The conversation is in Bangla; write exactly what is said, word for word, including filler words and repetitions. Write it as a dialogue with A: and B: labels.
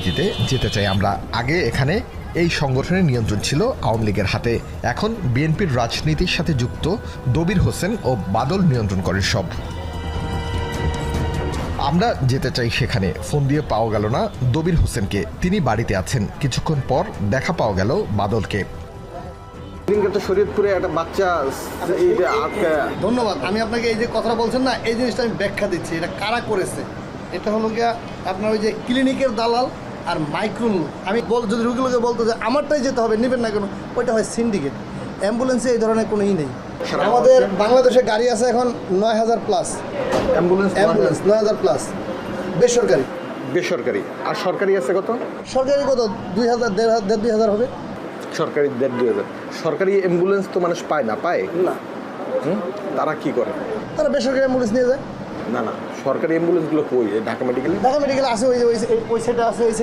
A: ভিত্তিতে যেতে চাই আমরা। আগে এখানে এই সংগঠনের নিয়ন্ত্রণ ছিল আওয়ামী লীগের হাতে, এখন বিএনপির রাজনীতির সাথে যুক্ত দবির হোসেন ও বাদল নিয়ন্ত্রণ করেন সব। আমরা যেতে চাই সেখানে। ফোন দিয়ে পাওয়া গেল না দবির হোসেনকে, তিনি বাড়িতে আছেন। কিছুক্ষণ পর দেখা পাওয়া গেল বাদলকে।
B: তো শরীয়তপুরে একটা বাচ্চা এই যে আটকা।
C: ধন্যবাদ। আমি আপনাকে এই যে কথাটা বলছেন না, এই জিনিসটা আমি ব্যাখ্যা দিচ্ছি। এটা কারা করেছে? এটা হলো গিয়া আপনার ওই যে ক্লিনিকের দালাল আর মাইক্রোন। আমি বল যদি রুগীগুলোকে বলতো যে আমারটাই যেতে হবে, নেবেন না কেন, ওইটা হয় সিন্ডিকেট। অ্যাম্বুলেন্সে এই ধরনের কোনো ই নেই। আমাদের বাংলাদেশে গাড়ি আছে এখন নয় হাজার প্লাস
B: অ্যাম্বুলেন্স
C: অ্যাম্বুলেন্স নয় হাজার প্লাস বেসরকারি।
B: বেসরকারি আর সরকারি আছে কত?
C: সরকারি কত দুই হাজার দেড় হাজার দেড় দুই হাজার হবে।
B: সরকারি দেড় দুই হাজার। সরকারি অ্যাম্বুলেন্স তো মানুষ পায় না, পায়
C: না,
B: হুম তারা কি করে?
C: তারা বেসরকারি অ্যাম্বুলেন্স নিয়ে যায়।
B: না না, সরকারি অ্যাম্বুলেন্সগুলো কই? ঢাকা মেডিকেলে
C: ঢাকা মেডিকেল আছে, ওই যে ওই সাইডে আছে, ওই